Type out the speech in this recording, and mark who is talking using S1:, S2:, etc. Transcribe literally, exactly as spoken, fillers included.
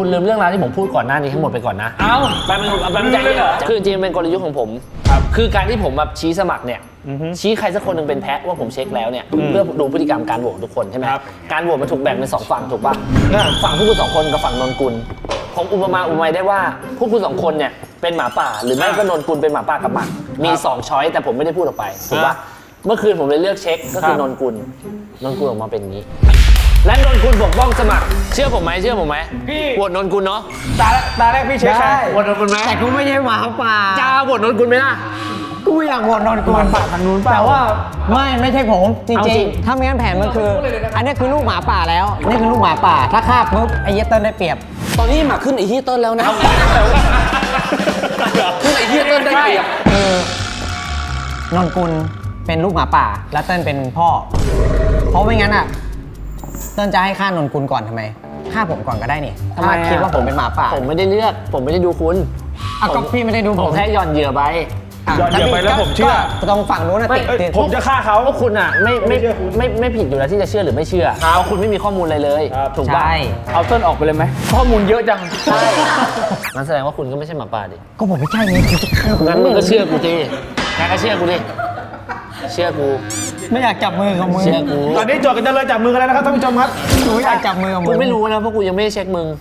S1: ลืมเรื่องราวที่ผมพูดก่อนหน้านี้ทั้งหมดไปก่อนนะ
S2: เอ้าแป๊บนึงแป๊บนึงใจเย็นเหรอ
S1: คือจริงๆเป็นกลยุทธ์ของผมครับคือการที่ผมแบบชี้สมัครเนี่ยชี้ใครสักคนหนึ่งเป็นแพ้ว่าผมเช็คแล้วเนี่ยเพื่อดูพฤติกรรมการโหวตทุกคนใช่ไหมการโหวตมันถูกแบ่งเป็นสองฝั่งถูกป่ะฝั่งพวกคุณสองคนกับฝั่งนนกุลผมอุปมาอุปไมยได้ว่าพวกคุณสองคนเนี่ยเป็นหมาป่าหรือไม่ก็นนกุลเป็นหมาป่ากับหมามีสองช้อยแต่ผมไม่ได้พูดออกไปถูกป่ะเมื่อคืนผมเลยเลือกเช็คก็คือนนกุลนนกุลออกมาเป็นอย่างนี้และนนกุลปกป้องสมัครเชื่อผมไหมเชื่อผมไหมพี่โหวตนนกุลเนาะ
S2: ตาตาแรกพี่เช็คใครโหวตนนกุลไหม
S3: แต่กูไม่ใช่หมาป่า
S1: จ้าโหวตนนกุลไหมล่ะ
S3: กูอยากโหวตนนกุล
S2: หมาป่าทางนู้นเปล่า
S3: แต่ว่าไม่ไม่ใช่ผมจ
S1: เอา
S3: ริ
S1: จริ
S3: ง
S1: ง
S3: ๆถ้าไม่งั้นแผนมันคือ อันนี้คือลูกหมาป่าแล้วนี่คือลูกหมาป่าถ้าฆ่าปุ๊บไอ้เหี้ยเติ้ลได้เปรียบ
S1: ตอนนี้หมาขึ้นไอ้เฮียเติ้ลแล้วนะขึ้นไอ้เฮียเติ้ลได้เปรียบ
S3: เออนนกุลเป็นลูกหมาป่าแล้วเติ้ลเป็นพ่อ เพราะไม่งั้นอ่ะเติ้ลจะให้ฆ่านนกุลก่อนทำไมฆ่าผมก่อนก็ได้นี่ถ้าคิดว่าผมเป็นหมาป่า
S1: ผมไม่ได้เลือกผมไม่ได้ดูคุณ
S3: อ่ะก็พี่ไม่ได้ดู
S1: ผ
S3: ผม ม
S1: แค่หย่อนเหยื่อไป
S2: ย้อนเดี๋ยวไปแล้วผมเชื่อ
S3: ก็ตรงฝั่งนู้นนะติด
S2: เอ้ย
S3: ติด
S2: ผมจะฆ่าเขา
S1: พวกคุณอ่ะไม่ไม่ไม่ไม่ผิดอยู่แล้วที่จะเชื่อหรือไม่เชื่อเพราะคุณไม่มีข้อมูลอะไรเลย
S2: ครับ
S1: ถูกป่ะ
S3: ใช่
S2: เอาเติ้ลออกไปเลยไหมข้อมูลเยอะจัง
S1: ใช่งั้นแสดงว่าคุณก็ไม่ใช่หมาป่าดิ
S3: ก็ผมไม่ใช่ไงกูจะฆ่า
S1: งั้นมึงก็เชื่อกูดิแกก็เชื่อกูดิเชื่อกู
S3: ไม่อยากจับมือกับมึง
S1: เชื่อกู
S2: ตอนนี้โจทย์กันจะเลยจับมือกันแล้วนะครับท่านผู้ชมครับ
S3: กูไม่อยากจับมือกับมึ
S1: กู
S3: ง
S1: ไม่รู้นะเพราะกูยังไม่ได้เช็คมึง